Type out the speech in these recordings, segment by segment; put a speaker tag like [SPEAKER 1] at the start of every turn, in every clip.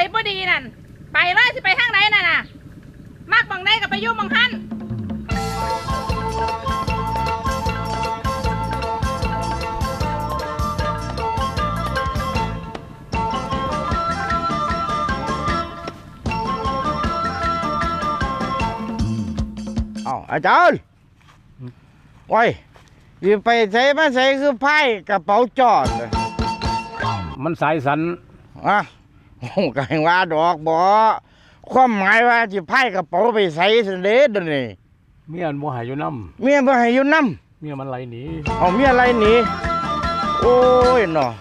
[SPEAKER 1] บ่ดีนั่นไปเลยสิไปทางไหนน่ะมากบังได้กับไปยุ่งบังคัน
[SPEAKER 2] อาจารย์โอ้ยอยู่ไปใส่มาใส่คือไพ่กระเป๋าจอดเลย
[SPEAKER 3] มันสายสัน
[SPEAKER 2] โอ้ก็ยังว่าดอกบ่ความหมายว่าจะไพ่กระเป๋าไปใส่เสด็จนี่
[SPEAKER 3] เมียมันบ่ให้อยู่น้
[SPEAKER 2] ำเมียบ่ให้อยู่น้
[SPEAKER 3] ำเมียมันไหลหนี
[SPEAKER 2] เมียไหลหนีโอ้ยเนาะ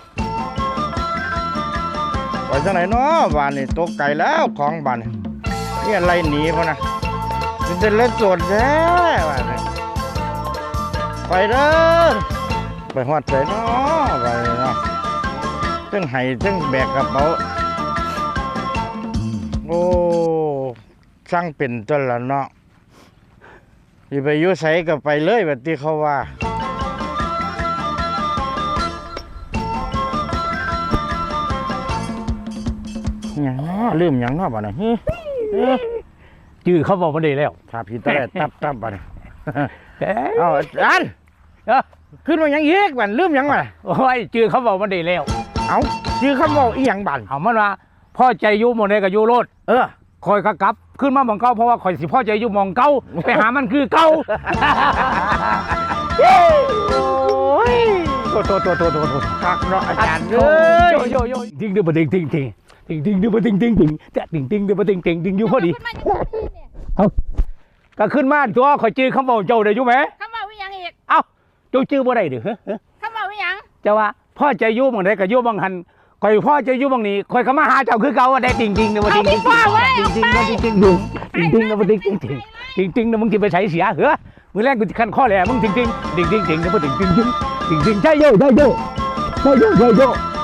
[SPEAKER 2] ไปจังไหนเนาะบ้านนี่ตกไก่แล้วของบ้านเมียไหลหนีพ่อนะเป็นเล่นโจทย์แท้บ้านนี่ไปเด้อไปหอดใจเนาะไปเนาะตึ้งไห้ตึ้งแบกกระเป๋าโอ้ช่างเป็นตัวละเนาะที่ไปยุ่ใส่ก็ไปเลยแบบที่เขาว่าอย่างเนาะลืมอย่างเนาะบ้านนี่
[SPEAKER 3] จื้อเขาบอกมาได้แล้ว
[SPEAKER 2] ถ้าพี่ตะแลตับบ้านนี่เอาอันขึ้นมาอย่างอีกบ้านลืมอย่างไร
[SPEAKER 3] โอ้ยจื้อเขาบอกมาได้แล้ว
[SPEAKER 2] เอาจื้อเขาบอกอีหยังบ้าน
[SPEAKER 3] เอามันว่าพ่อใจยุ่หมดเลยกับยุ่โลดคอยกลับขึ้นมาหมองเก้าเพราะว่าคอยสิพ่อใจยุ่มองเก้าไปหามันคือเก้าโอ้ยโต
[SPEAKER 2] คักเนาะอาจารย์
[SPEAKER 3] โยทิ้งดื้อบ่ทิ้งดื้อบ่ทิ้งจะทิ้งดื้อบ่ทิ้งอยู่พอดีเอาก็ขึ้นมาตัวคอยจื้อคำบอกเจ้าได้อยู่ไหม
[SPEAKER 1] คำบอกวิยังอีก
[SPEAKER 3] เอ้าเจ้าจื้อบ่ได้ดิ
[SPEAKER 1] คำบอกวิยัง
[SPEAKER 3] จะว่าพ่อใจยุ่มองใดกับยุ่มองหันคอยพ่อจะยุ่งบางนี้คอยเขามาหาเจ้าคือเก่าได้จริงๆนะว่าจริงนะว่าจริงนะมึงจะไปใช้เสียเหรอมือแรกกูจะขั้นข้อแหล่มึงจริงนะว่าจริงใช่โย่